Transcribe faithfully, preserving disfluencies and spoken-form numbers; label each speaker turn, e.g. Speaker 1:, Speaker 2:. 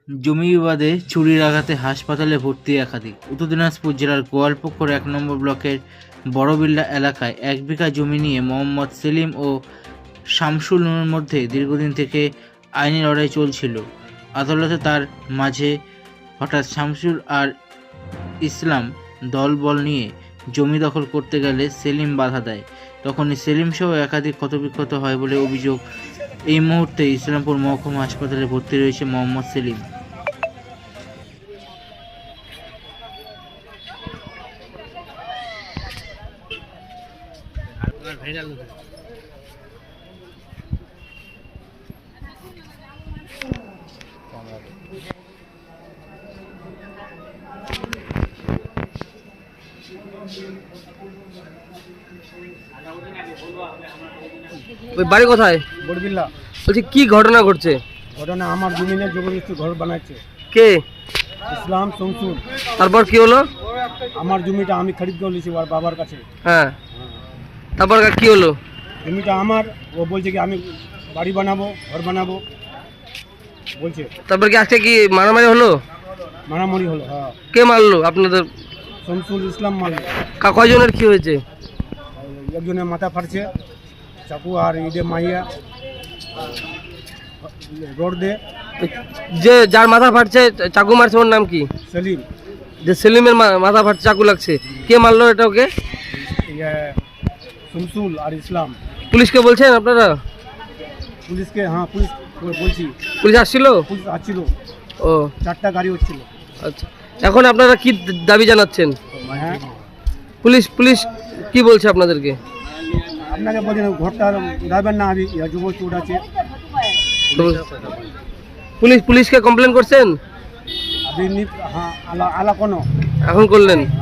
Speaker 1: জমি বিবাদে ছুরির আঘাতে হাসপাতালে ভর্তি একাধিক। উত্তর দিনাজপুর জেলার গোয়ালপুকুর এক নম্বর ব্লকের বড়বিল্লা এলাকায় এক বিঘা জমি নিয়ে মোহাম্মদ সেলিম ও শামসুলের মধ্যে দীর্ঘদিন থেকে আইনি লড়াই চলছিল। আদালতে তার মাঝে হঠাৎ শামসুল আর ইসলাম দলবল নিয়ে জমি দখল করতে গেলে সেলিম বাধা দেয়। তখনই সেলিম সহ একাধিক ক্ষতবিক্ষত হয় বলে অভিযোগ। এই মুহূর্তে ইসলামপুর মহকুমা হাসপাতালে ভর্তি রয়েছে মোহাম্মদ সেলিম।
Speaker 2: ওই বাড়ি কোথায়?
Speaker 3: বড়বিল্লা।
Speaker 2: বলছি কি ঘটনা ঘটছে?
Speaker 3: ঘটনা আমার জমিনে জবরদস্তি ঘর বানাচ্ছে
Speaker 2: কে?
Speaker 3: ইসলাম শামসুল।
Speaker 2: তারপর কি হলো?
Speaker 3: আমার জমিটা আমি খরিদ করে নিয়েছি ওর বাবার কাছে।
Speaker 2: হ্যাঁ, তারপর কি হলো?
Speaker 3: জমিটা আমার, ও বলছে কি আমি বাড়ি বানাবো, ঘর বানাবো বলছে।
Speaker 2: তারপর কি আজকে কি মারামারি হলো?
Speaker 3: মারামারি হলো। হ্যাঁ।
Speaker 2: কে মারলো আপনাদের?
Speaker 3: শামসুল ইসলাম মারলো।
Speaker 2: কা- কয়জনের কি হয়েছে?
Speaker 3: একজনের মাথা ফাটছে চাকু, আর ঈদে মাইয়া রোড দে।
Speaker 2: যে যার মাথা ফাটছে চাকু মারছে ওর নাম কি?
Speaker 3: সেলিম।
Speaker 2: যে সেলিমের মা- মাথা ফাটছে চাকু লাগছে, কে মারলো এটা ওকে?
Speaker 3: ইয়ে শামসুল আর ইসলাম।
Speaker 2: পুলিশকে বলছেন আপনারা?
Speaker 3: পুলিশকে, হ্যাঁ পুলিশ বলছি।
Speaker 2: পুলিশ আসছিল?
Speaker 3: পুলিশ আসছিল,
Speaker 2: ও
Speaker 3: চারটা গাড়ি হচ্ছিল।
Speaker 2: আচ্ছা, এখন আপনারা কি দাবি জানাচ্ছেন?
Speaker 3: হ্যাঁ,
Speaker 2: পুলিশ পুলিশ কি বলছে আপনাদেরকে?
Speaker 3: আপনাকে বলছেন ঘরটা যাবেন না, আমি যুব চোট আছে।
Speaker 2: পুলিশ পুলিশকে কমপ্লেন করছেন?
Speaker 3: আপনি নি- হ্যাঁ, আলা আলা কোনো
Speaker 2: এখন করলেন?